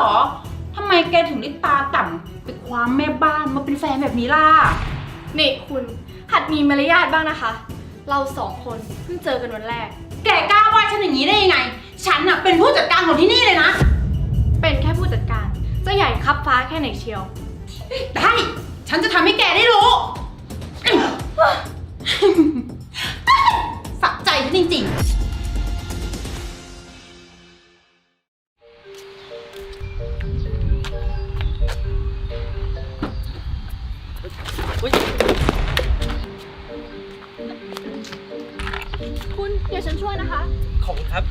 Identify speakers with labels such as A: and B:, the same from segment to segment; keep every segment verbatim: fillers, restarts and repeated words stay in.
A: อทำไมแกถึงได้ตาต่ำไปความแม่บ้านมาเป็นแฟนแบบนี้ล่ะ
B: นี่คุณหัดมีมารยาทบ้างนะคะเราสองคนเพิ่งเจอกันวันแรก
A: แกกล้าว่าฉันอย่างนี้ได้ยังไงฉันน่ะเป็นผู้จัดการของที่นี่เลยนะ
B: เป็นแค่ผู้จัดการจะใหญ่คับฟ้าแค่ไหนเชียว
A: ได้ฉันจะทำให้แกได้รู้สะใจฉันจริงๆ
B: คุณเดี๋ยวฉันช่วยนะคะ
C: ขอบคุณครับ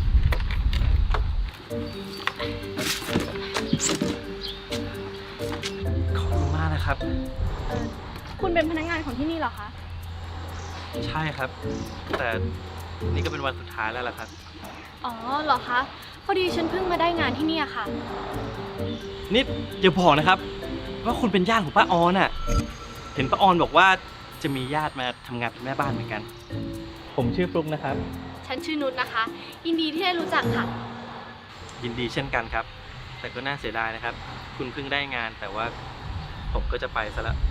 C: ขอบคุณมากนะครับ
B: คุณเป็นพนักงานของที่นี่เหรอคะ
C: ใช่ครับแต่นี่ก็เป็นวันสุดท้ายแล้วล่ะครับ
B: อ๋อเหรอคะพอดีฉันเพิ่งมาได้งานที่นี่ค่ะ
C: นี่อย่าบอกนะครับว่าคุณเป็นญาติของป้าออนน่ะเห็นป้าออนบอกว่าจะมีญาติมาทำงานเป็นแม่บ้านเหมือนกันผมชื่อฟลุ๊กนะครับ
B: ฉันชื่อนุชนะคะยินดีที่ได้รู้จักค่ะ
C: ยินดีเช่นกันครับแต่ก็น่าเสียดายนะครับคุณเพิ่งได้งานแต่ว่าผมก็จะไปซะแล้ว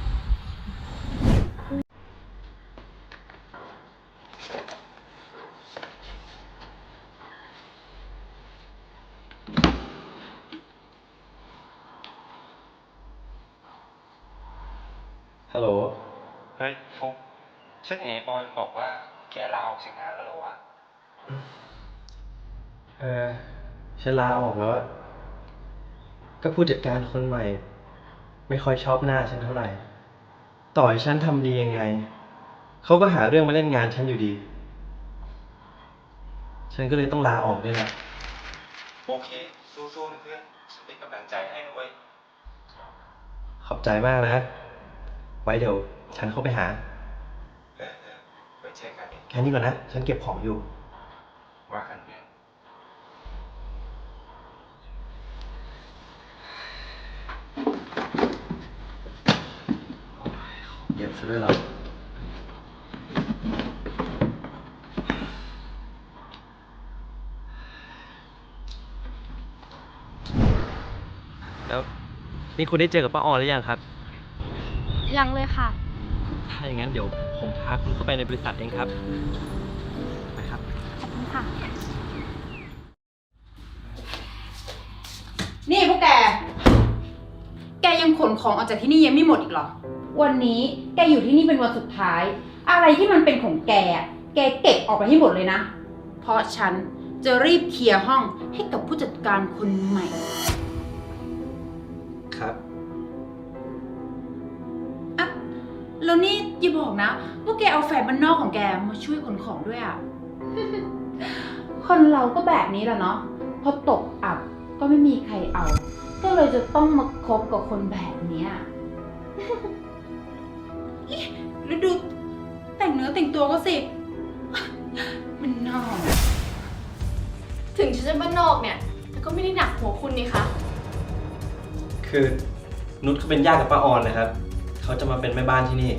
C: ฮัลโหล
D: เฮ้ยฟุ๊กฉันเห็นออยบอกว่าแกลาออกจากงานแล้วเหรอวะ
C: เออฉันลาออกแล้วก็ผู้จัดการคนใหม่ไม่ค่อยชอบหน้าฉันเท่าไหร่ต่อให้ฉันทำดียังไงเขาก็หาเรื่องมาเล่นงานฉันอยู่ดีฉันก็เลยต้องลาออกด้วยแหละ
D: โอเคสู้ๆนะเพื่อนฉันเป็นกำลังใจให้นะเว้ย
C: ขอบใจมากนะไว้เดี๋ยวฉันเข้าไปหา
D: เออเออไว้เจอกัน
C: แค่นี้ก่อนนะฉันเก็บของอยู่
D: ว่ากันเพื่อน
C: เก็บซะด้วยเหรอแล้วนี่คุณได้เจอกับป้าออนหรือยังครับ
B: ยังเลยค่ะ
C: ถ้าอย่างนั้นเดี๋ยวผมพาคุณเข้าไปในบริษัทเองครับไปครับ
B: ขอบคุณค่ะ
A: นี่พวกแกแกยังขนของออกจากที่นี่ยังไม่หมดอีกเหรอวันนี้แกอยู่ที่นี่เป็นวันสุดท้ายอะไรที่มันเป็นของแกแกเก็บออกไปให้หมดเลยนะเพราะฉันจะรีบเคลียร์ห้องให้กับผู้จัดการคนใหม่
C: ครับ
A: อ่ะแล้วนี่อย่าบอกนะว่าแกเอาแฟนบ้านนอกของแกมาช่วยขนของด้วยอ่ะ คนเราก็แบบนี้แหละเนาะพอตกอับก็ไม่มีใครเอาก็เลยจะต้องมาคบกับคนแบบนี้แล้วดูแต่งเนื้อแต่งตัวก็สิมันนอก
B: ถึงฉันจะบ้านนอกเนี่ยแต่ก็ไม่ได้หนักหัวคุณนี่คะ
C: คือนุชเขาเป็นญาติกับป้าออนนะครับเขาจะมาเป็นแม่บ้านที่นี่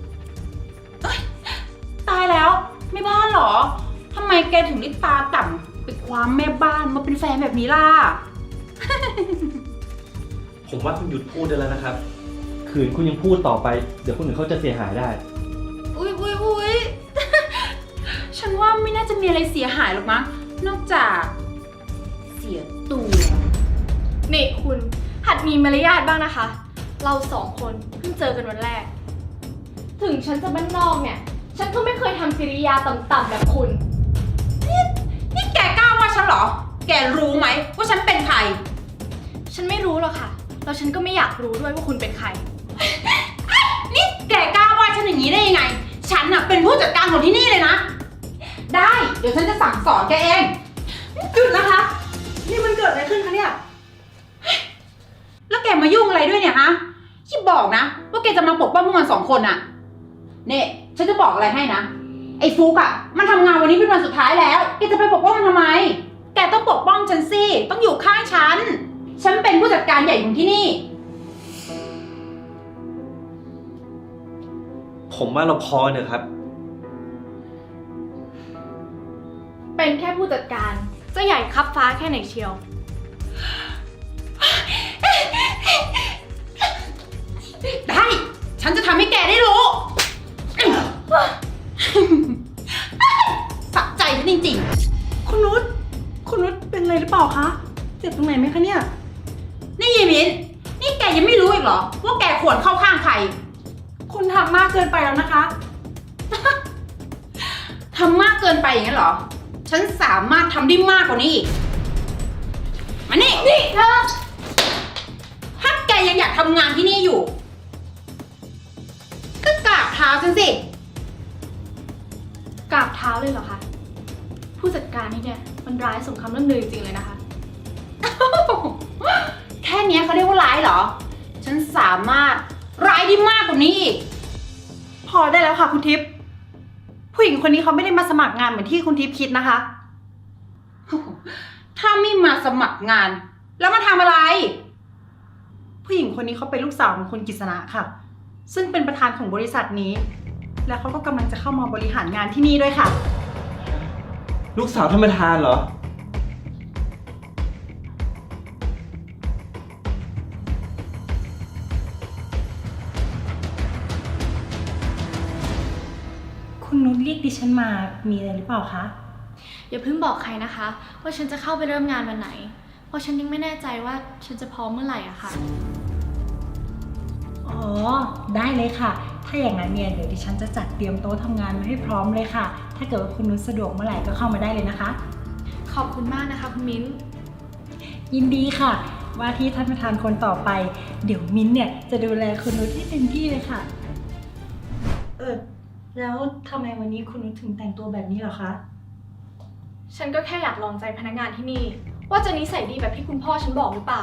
A: ตายแล้วแม่บ้านเหรอทำไมแกถึงได้ตาต่ำไปความแม่บ้านมาเป็นแฟนแบบนี้ล่ะ
C: ผมว่าคุณหยุดพูดได้แล้วนะครับขืนคุณยังพูดต่อไปเดี๋ยวคนอื่นเขาจะเสียหายได้
A: อุ๊ยอุ๊ยอุ๊ย ฉันว่าไม่น่าจะมีอะไรเสียหายหรอกมั้งนอกจากเสียตัว
B: นี่คุณหัดมีมารยาทบ้างนะคะเราสองคนเพิ่งเจอกันวันแรกถึงฉันจะบ้านนอกเนี่ยฉันก็ไม่เคยทำกิริยาต่ำๆแบบคุณ
A: นี่นี่แกกล้าว่าฉันเหรอแกรู้ไหมว่าฉันเป็นใคร
B: ฉันไม่รู้หรอกค่ะแล้วฉันก็ไม่อยากรู้ด้วยว่าคุณเป็นใคร
A: นี่แกกล้าว่าฉันอย่างนี้ได้ยังไงฉันน่ะเป็นผู้จัดการของที่นี่เลยนะได้เดี๋ยวฉันจะสั่งสอนแกเองหยุดนะคะนี่มันเกิดอะไรขึ้นคะเนี่ยแล้วแกมายุ่งอะไรด้วยเนี่ยฮะที่บอกนะว่าแกจะมาปกป้องพวกมันสองคนอะเนี่ยฉันจะบอกอะไรให้นะไอ้ฟุกอะมันทำงานวันนี้เป็นวันสุดท้ายแล้วแกจะไปปกป้องมันทำไมแกต้องปกป้องฉันสิต้องอยู่ข้างฉันฉันเป็นผู้จัดการใหญ่ของที่นี่
C: ผมว่าเราพอเนอะครับ
B: เป็นแค่ผู้จัดการจะใหญ่คับฟ้าแค่ไหนเชียว
A: ได้ ฉันจะทำให้แกได้รู้ สะใจฉันจริงๆ
E: คุณนุชคุณนุชเป็นอะไรหรือเปล่าคะ เจ็บตรงไหนไหมคะเนี่ย
A: นี่ยีมินนี่แกยังไม่รู้อีกเหรอ ว่าแกควรเข้าข้างใคร
E: คุณทำมากเกินไปแล้วนะคะ
A: ทำมากเกินไปอย่างนั้นเหรอ ฉันสามารถทำได้มากกว่านี้อีก มานี่ นี่เธอ ถ้าแกยังอยากทำงานที่นี่อยู่ ก็กราบเท้าฉันสิ
B: กราบเท้าเลยเหรอคะ ผู้จัดการนี่เนี่ยมันร้ายสมคำล่ำลือจริงๆเลยนะคะ
A: แค่เนี้ยเขาเรียกว่าร้ายเหรอ ฉันสามารถร้ายได้มากกว่านี้อีก
E: พอได้แล้วค่ะคุณทิพย์ผู้หญิงคนนี้เขาไม่ได้มาสมัครงานเหมือนที่คุณทิพย์คิดนะคะ
A: ถ้าไม่มาสมัครงาน แล้วมาทำอะไร
E: ผู้หญิงคนนี้เขาเป็นลูกสาวของคุณกฤษณะค่ะ ซึ่งเป็นประธานของบริษัทนี้ และเขาก็กำลังจะเข้ามาบริหารงานที่นี่ด้วยค่ะ
C: ลูกสาวท่านประธานเหรอ
E: คุณนุชเรียกดิฉันมามีอะไรหรือเปล่าคะ
B: อย่าเพิ่งบอกใครนะคะ ว่าฉันจะเข้าไปเริ่มงานวันไหน เพราะฉันยังไม่แน่ใจว่าฉันจะพร้อมเมื่อไหร่อะค่ะ
E: อ๋อ ได้เลยค่ะ ถ้าอย่างนั้นเนี่ยเดี๋ยวดิฉันจะจัดเตรียมโต๊ะทำงานมาให้พร้อมเลยค่ะ ถ้าเกิดว่าคุณนุชสะดวกเมื่อไหร่ก็เข้ามาได้เลยนะคะ
B: ขอบคุณมากนะคะคุณมิ้น
E: ยินดีค่ะ ว่าที่ท่านประธานคนต่อไป เดี๋ยวมิ้นท์เนี่ยจะดูแลคุณนุชให้เต็มที่เลยค่ะ เออ แล้วทำไมวันนี้คุณนุชถึงแต่งตัวแบบนี้เหรอคะ
B: ฉันก็แค่อยากลองใจพนักงานที่นี่ ว่าจะนิสัยดีแบบที่คุณพ่อฉันบอกหรือเปล่า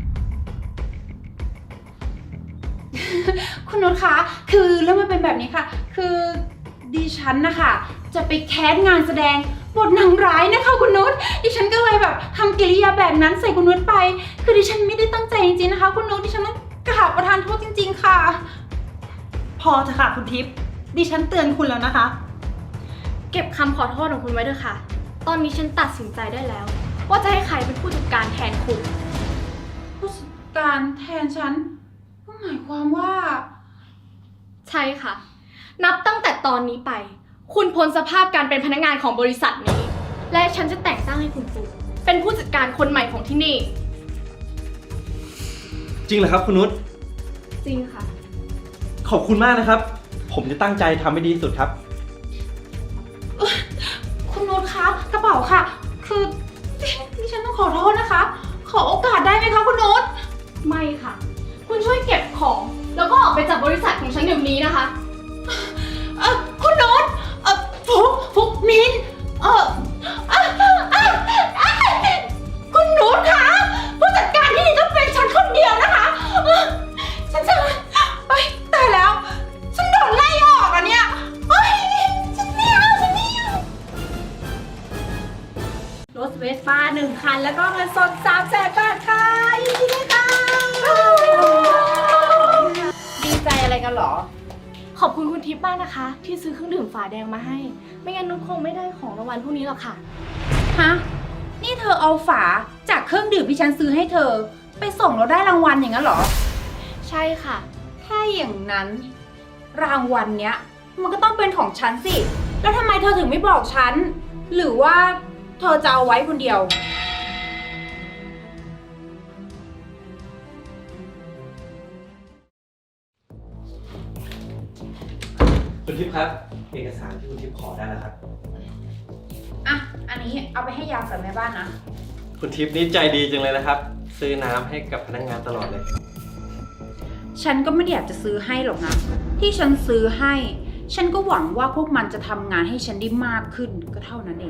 A: คุณนุชคะ คือเรื่องมันเป็นแบบนี้ค่ะ คือดิฉันนะคะจะไปแคสงานแสดงบทนางร้ายนะคะคุณนุช ดิฉันก็เลยแบบทำกิริยาแบบนั้นใส่คุณนุชไป คือดิฉันไม่ได้ตั้งใจจริงๆนะคะ คุณนุช ดิฉันต้องกราบประทานโทษจริงๆค่ะ
E: พอเถอะค่ะคุณทิพย์ดิฉันเตือนคุณแล้วนะคะ
B: เก็บคำขอโทษของคุณไว้เถอะค่ะ ตอนนี้ฉันตัดสินใจได้แล้ว ว่าจะให้ใครเป็นผู้จัดการแทนคุณ
A: ผู้จัดการแทนฉันก็หมายความว่า
B: ใช่ค่ะ นับตั้งแต่ตอนนี้ไป คุณพ้นสภาพการเป็นพนักงานของบริษัทนี้ และฉันจะแต่งตั้งให้คุณปูเป็นผู้จัดการคนใหม่ของที่นี่
C: จริงเหรอครับคุณนุช
B: จริงค่ะ
C: ขอบคุณมากนะครับ ผมจะตั้งใจทำให้ดีที่สุดครับ
A: คุณนุชคะกระเป๋าค่ะ คือดิฉันต้องขอโทษนะคะ ขอโอกาสได้ไหมคะคุณนุช
B: ไม่ค่ะ คุณช่วยเก็บของ แล้วก็ออกไปจากบริษัทของฉันเดี๋ยวนี้นะคะ
A: เออคุณนุชเออฟุกฟุกมินเออเอ่อเอ่อเอ่อเอ่อคุณนุชคะผู้จัดการที่นี่ต้องเป็นฉันคนเดียวนะคะเออฉันจะเอ้ยตายแล้ว ฉันโดนไล่ออกอ่ะเนี่ยเอ้ยฉันไม่เอาฉันไม่เอา
E: รถเวสป้าหนึ่งคัน แล้วก็เงินสดสามแสนบาทค่ะยินดีด้วยค่ะ
A: ดีใจอะไรกันเหรอ
B: ขอบคุณคุณทิพย์มากนะคะ ที่ซื้อเครื่องดื่มฝาแดงมาให้ ไม่งั้นนุชคงไม่ได้ของรางวัลพวกนี้หรอกค่ะ
A: ฮะ นี่เธอเอาฝาจากเครื่องดื่มที่ฉันซื้อให้เธอ ไปส่งแล้วได้รางวัลอย่างนั้นเหรอ
B: ใช่ค่ะ
A: ถ้าอย่างนั้น รางวัลเนี้ย มันก็ต้องเป็นของฉันสิ แล้วทำไมเธอถึงไม่บอกฉัน หรือว่าเธอจะเอาไว้คนเดียว
C: คุณทิพย์ครับ เอกสารที่คุณทิพย์ขอได้แล้วครับ
A: อ่ะ อันนี้เอาไปให้ยามกับแม่บ้านนะ
C: คุณทิพย์นี่ใจดีจังเลยนะครับ ซื้อน้ำให้กับพนักงานตลอดเลย
A: ฉันก็ไม่ได้อยากจะซื้อให้หรอกนะ ที่ฉันซื้อให้ ฉันก็หวังว่าพวกมันจะทำงานให้ฉันได้มากขึ้นก็เท่านั้นเอง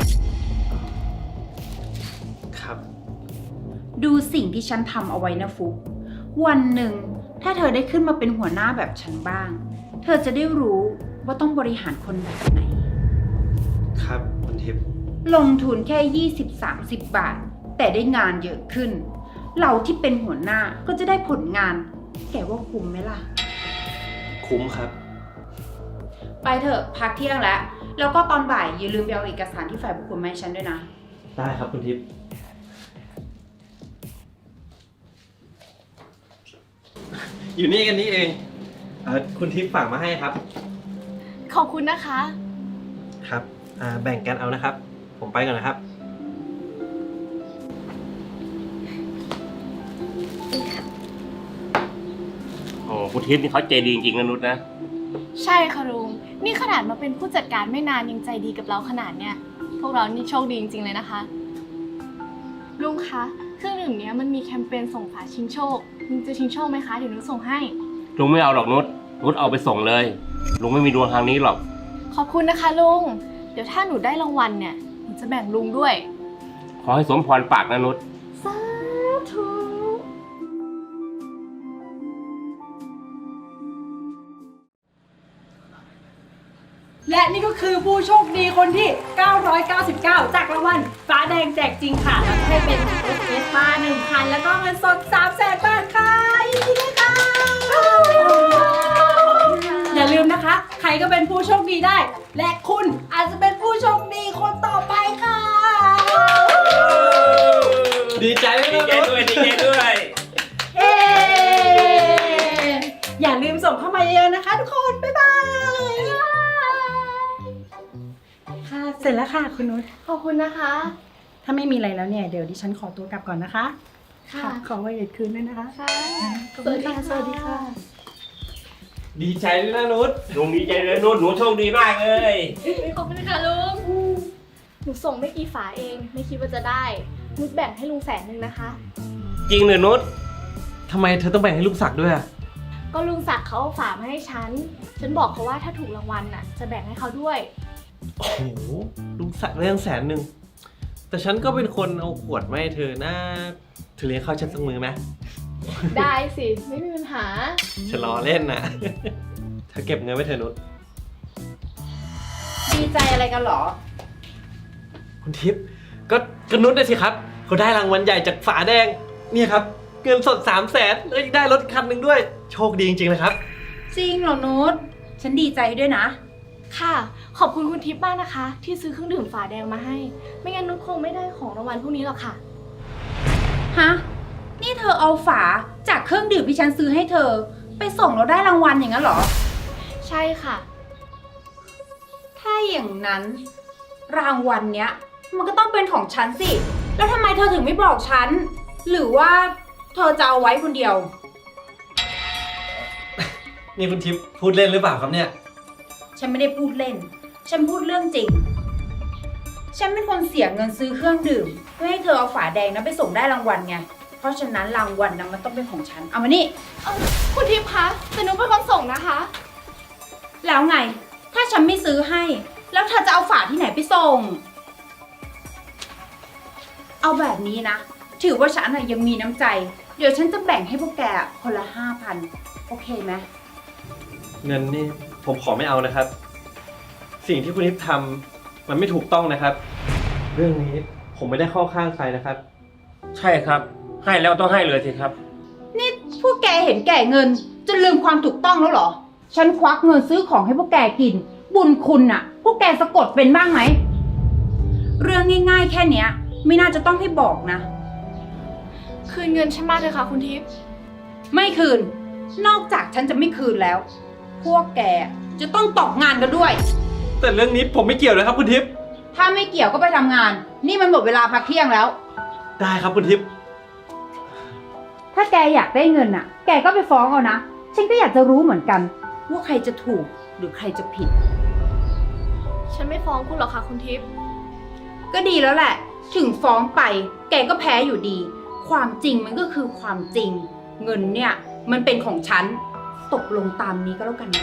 C: ครับ
A: ดูสิ่งที่ฉันทำเอาไว้นะฟุก วันหนึ่งถ้าเธอได้ขึ้นมาเป็นหัวหน้าแบบฉันบ้าง เธอจะได้รู้ว่าต้องบริหารคนแบบไหน
C: ครับคุณทิพย์
A: ลงทุนแค่ ยี่สิบสามสิบ บาท แต่ได้งานเยอะขึ้น เราที่เป็นหัวหน้าก็จะได้ผลงาน แกว่าคุ้มไหมล่ะ
C: คุ้มครับ
A: ไปเถอะพักเที่ยงแล้ว แล้วก็ตอนบ่ายอย่าลืมไปเอาเอกสารที่ฝ่ายบุคคลมาให้ฉันด้วยนะ
C: ได้ครับคุณทิพย์อยู่นี่กันนี่เองเออคุณทิพย์ฝากมาให้ครับ
B: ขอบคุณนะคะ
C: ครับอ่าแบ่งกันเอานะครับ ผมไปก่อนนะครับ
F: โอ้คุณทิพย์นี่เขาใจดีจริงๆนะนุชนะ
B: ใช่ค่ะลุง นี่ขนาดมาเป็นผู้จัดการไม่นานยังใจดีกับเราขนาดเนี้ย พวกเรานี่โชคดีจริงๆเลยนะคะ ลุงคะ เครื่องดื่มเนี้ยมันมีแคมเปญส่งฝาชิงโชค ลุงจะชิงโชคไหมคะ เดี๋ยวนุชส่งให้
F: ลุงไม่เอาหรอกนุชนุชเอาไปส่งเลย ลุงไม่มีดวงทางนี้หรอก
B: ขอบคุณนะคะลุง เดี๋ยวถ้าหนูได้รางวัลเนี่ย หนูจะแบ่งลุงด้วย
F: ขอให้สมพรปากนะนุช
B: สาธุ
E: และนี่ก็คือผู้โชคดีคนที่ เก้าร้อยเก้าสิบเก้า จากรางวัลฟ้าแดงแจกจริงค่ะแล้วก็ให้เป็นรถเวสป้าหนึ่งคัน แล้วก็เงินสดสามแสนบาทค่ะยินดีด้วยค่ะ อย่าลืมนะคะ ใครก็เป็นผู้โชคดีได้ และคุณอาจจะเป็นผู้โชคดีคนต่อไปค่ะ
C: ดีใจไหม
F: ดี
C: นะ
F: ใจ
C: นุช
F: ด้วยดีใจด้วย
E: เอ๊อย่าลืมส่งเข้ามาเยอะๆนะคะทุกคน บ๊ายบาย ค่ะ เสร็จแล้วค่ะคุณนุช
B: ขอบคุณนะคะ
E: ถ้าไม่มีอะไรแล้วเนี่ย เดี๋ยวดิฉันขอตัวกลับก่อนนะคะ
B: ค่ะ
E: ขอไว้เด็ดคืนด้วยนะคะ
B: ค่ะ
E: ขอบคุณค่ะสวัสดีค่ะ
C: ดีใจด้วยนะนุช
F: ลุงดีใจเลยนุชหนูโชคดีมากเลย
B: ขอบคุณค่ะลุง หนูส่งไม่กี่ฝาเอง ไม่คิดว่าจะได้ นุชแบ่งให้ลุงแสนหนึ่งนะคะ
F: จริงเหรอนุช
C: ทำไมเธอต้องแบ่งให้ลูกศักดิ์ด้วยอะ
B: ก็ลุงศักดิ์เขาเอาฝามาให้ฉัน ฉันบอกเขาว่าถ้าถูกรางวัลน่ะ จะแบ่งให้เขาด้วย
C: โอ้โหลูกศักดิ์ได้ตั้งแสนหนึ่งแต่ฉันก็เป็นคนเอาขวดมาให้เธอนะเธอเลี้ยงข้าวฉันสักมือไหม
B: ได้สิ ไม่มีปัญหา
C: ฉันล้อเล่นนะ เธอเก็บเงินไว้เถอะนุช
A: ดีใจอะไรกันเหรอ
C: คุณทิพย์ก็กนุชได้สิครับเขาได้รางวัลใหญ่จากฝาแดงเนี่ยครับเงินสดสามแสนแล้วยังได้รถคันหนึ่งด้วย โชคดีจริงๆเลยครับ
A: จริงเหรอนุชฉันดีใจด้วยนะ
B: ค่ะ ขอบคุณคุณทิพย์มากนะคะ ที่ซื้อเครื่องดื่มฝาแดงมาให้ ไม่งั้นนุชคงไม่ได้ของรางวัลพวกนี้หรอกค่ะ
A: ฮะ นี่เธอเอาฝาจากเครื่องดื่มที่ฉันซื้อให้เธอ ไปส่งแล้วได้รางวัลอย่างนั้นเหรอ
B: ใช่ค่ะ
A: ถ้าอย่างนั้น รางวัลเนี้ย มันก็ต้องเป็นของฉันสิ แล้วทำไมเธอถึงไม่บอกฉัน หรือว่าเธอจะเอาไว้คนเดียว
C: นี่คุณทิพย์พูดเล่นหรือเปล่าครับเนี่ย
A: ฉันไม่ได้พูดเล่น ฉันพูดเรื่องจริง ฉันเป็นคนเสียเงินซื้อเครื่องดื่มเพื่อให้เธอเอาฝาแดงนั้นไปส่งได้รางวัลไง เพราะฉะนั้นรางวัลนั้นมันต้องเป็นของฉัน เอามานี่
B: เอ้าคุณทิพย์คะแต่นุชเป็นคนส่งนะคะ
A: แล้วไง ถ้าฉันไม่ซื้อให้ แล้วเธอจะเอาฝาที่ไหนไปส่ง เอาแบบนี้นะ ถือว่าฉันน่ะยังมีน้ำใจ เดี๋ยวฉันจะแบ่งให้พวกแกคนละห้าพันโอเคไหม
C: เงินนี่ผมขอไม่เอานะครับ สิ่งที่คุณทิพย์ทำมันไม่ถูกต้องนะครับ เรื่องนี้ผมไม่ได้เข้าข้างใครนะครับ
F: ใช่ครับ ให้แล้วต้องให้เลยสิครับ
A: นี่พวกแกเห็นแก่เงินจนลืมความถูกต้องแล้วเหรอ ฉันควักเงินซื้อของให้พวกแกกิน บุญคุณน่ะ พวกแกสะกดเป็นบ้างไหม เรื่องง่ายๆแค่เนี้ย ไม่น่าจะต้องให้บอกนะ
B: คืนเงินฉันมาเถอะค่ะคุณทิพย์
A: ไม่คืน นอกจากฉันจะไม่คืนแล้ว พวกแกจะต้องตกงานกันด้วย
C: แต่เรื่องนี้ผมไม่เกี่ยวเลยครับคุณทิพย์
A: ถ้าไม่เกี่ยวก็ไปทำงาน นี่มันหมดเวลาพักเที่ยงแล้ว
C: ได้ครับคุณทิพย์
A: ถ้าแกอยากได้เงินน่ะ แกก็ไปฟ้องเอานะ ฉันก็อยากจะรู้เหมือนกัน ว่าใครจะถูกหรือใครจะผิด
B: ฉันไม่ฟ้องคุณหรอกค่ะคุณทิพย์
A: ก็ดีแล้วแหละ ถึงฟ้องไป แกก็แพ้อยู่ดี ความจริงมันก็คือความจริง เงินเนี่ย มันเป็นของฉัน ตกลงตามนี้ก็แล้วกันนะ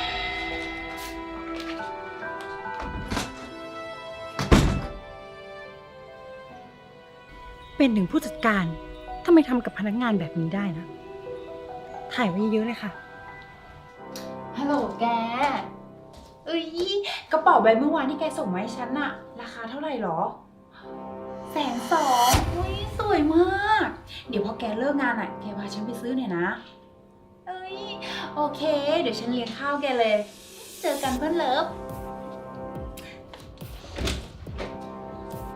E: เป็นถึงผู้จัดการทำไมทำกับพนักงานแบบนี้ได้นะ ถ่ายไว้เยอะๆเลยค่ะ
A: ฮัลโหลแก เอ้ยกระเป๋าใบเมื่อวานที่แกส่งมาให้ฉันน่ะ ราคาเท่าไหร่หรอ แสนสองอุ้ยสวยมาก เดี๋ยวพอแกเลิกงานอ่ะ แกพาฉันไปซื้อหน่อยนะ เอ้ยโอเค เดี๋ยวฉันเลี้ยงข้าวแกเลย เจอกันเพื่อนเลิฟ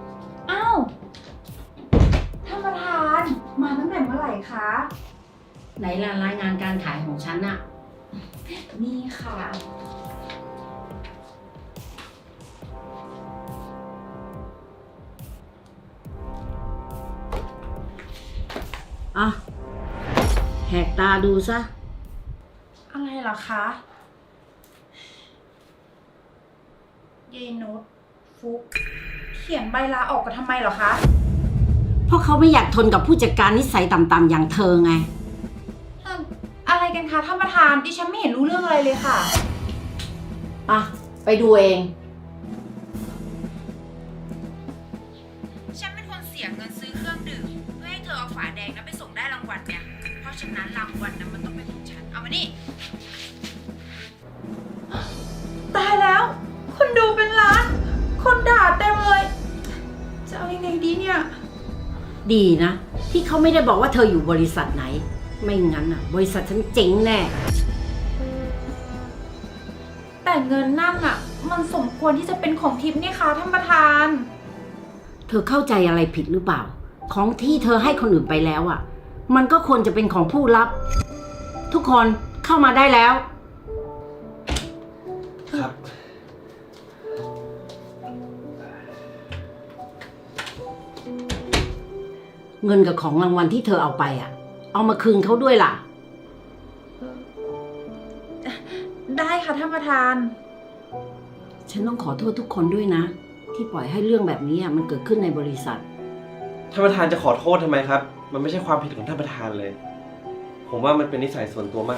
A: อ้าวท่านประธาน มาตั้งแต่เมื่อไหร่คะ
G: ไหนล่ะรายงานการขายของฉันอะ
A: นี่ค่ะ
G: อ่ะแหกตาดูซะ
A: อะไรเหรอคะเยายนุชฟุก เขียนใบลาออกกันทำไมเหรอคะ
G: เพราะเขาไม่อยากทนกับผู้จัดการนิสัยต่ำๆอย่างเธอไง
A: อะไรกันคะท่านประธานดิฉันไม่เห็นรู้เรื่องอะไรเลยค่ะ
G: อ่ะ ไปดูเอง
A: ฉันเป็นคนเสียเงินซื้อเครื่องดื่มเพื่อให้เธอเอาฝาแดงนั้นไปส่งได้รางวัลเนี่ย เพราะฉะนั้นรางวัลนั้นมันต้องเป็นของฉัน เอามานี่ ตายแล้ว คนดูเป็นล้าน คนด่าเต็มเลย จะเอายังไงดีเนี่ย
G: ดีนะ ที่เขาไม่ได้บอกว่าเธออยู่บริษัทไหน ไม่งั้นอ่ะ บริษัทฉันเจ๊งแน่
A: แต่เงินนั่นอะมันสมควรที่จะเป็นของทิพย์นี่คะท่านประธาน
G: เธอเข้าใจอะไรผิดหรือเปล่า ของที่เธอให้คนอื่นไปแล้วอ่ะ มันก็ควรจะเป็นของผู้รับ ทุกคนเข้ามาได้แล้ว
C: ครับ
G: เงินกับของรางวัลที่เธอเอาไปอ่ะ เอามาคืนเขาด้วยล่ะ
A: ได้ค่ะท่านประธาน
G: ฉันต้องขอโทษทุกคนด้วยนะ ที่ปล่อยให้เรื่องแบบนี้อ่ะมันเกิดขึ้นในบริษัท
C: ท่านประธานจะขอโทษทำไมครับ มันไม่ใช่ความผิดของท่านประธานเลย ผมว่ามันเป็นนิสัยส่วนตัวมาก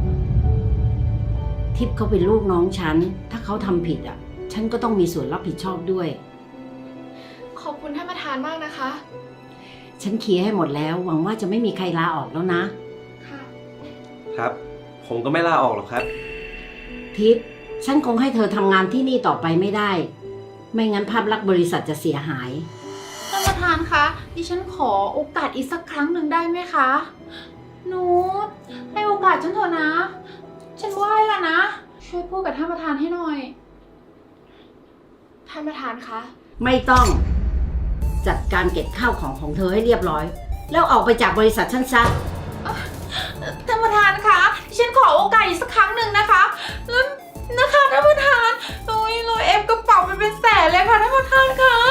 G: ทิพย์เขาเป็นลูกน้องฉัน ถ้าเขาทำผิดอ่ะ ฉันก็ต้องมีส่วนรับผิดชอบด้วย
B: ขอบคุณท่านประธานมากนะคะ
G: ฉันเคลียร์ให้หมดแล้ว หวังว่าจะไม่มีใครลาออกแล้วนะ
B: ค่ะ
C: ครับ ผมก็ไม่ลาออกหรอกครับ
G: ทิพย์ฉันคงให้เธอทำงานที่นี่ต่อไปไม่ได้ ไม่งั้นภาพลักษณ์บริษัทจะเสียหาย
A: ท่านประธานคะ ดิฉันขอโอกาสอีกสักครั้งหนึ่งได้ไหมคะ นูตให้โอกาสฉันเถอะนะ ฉันไหว้ละนะ ช่วยพูดกับท่านประธานให้หน่อย
B: ท่านประธานคะ
G: ไม่ต้อง จัดการเก็บข้าวของของเธอให้เรียบร้อย แล้วออกไปจากบริษัทฉันซะ
A: ท่านประธานคะดิฉันขอโอกาสอีกสักครั้งหนึ่งนะคะแล้วนะคะท่านประธานโอ้ยโรยเอฟกระเป๋าไปเป็นแสนเลยค่ะท่านประธานคะ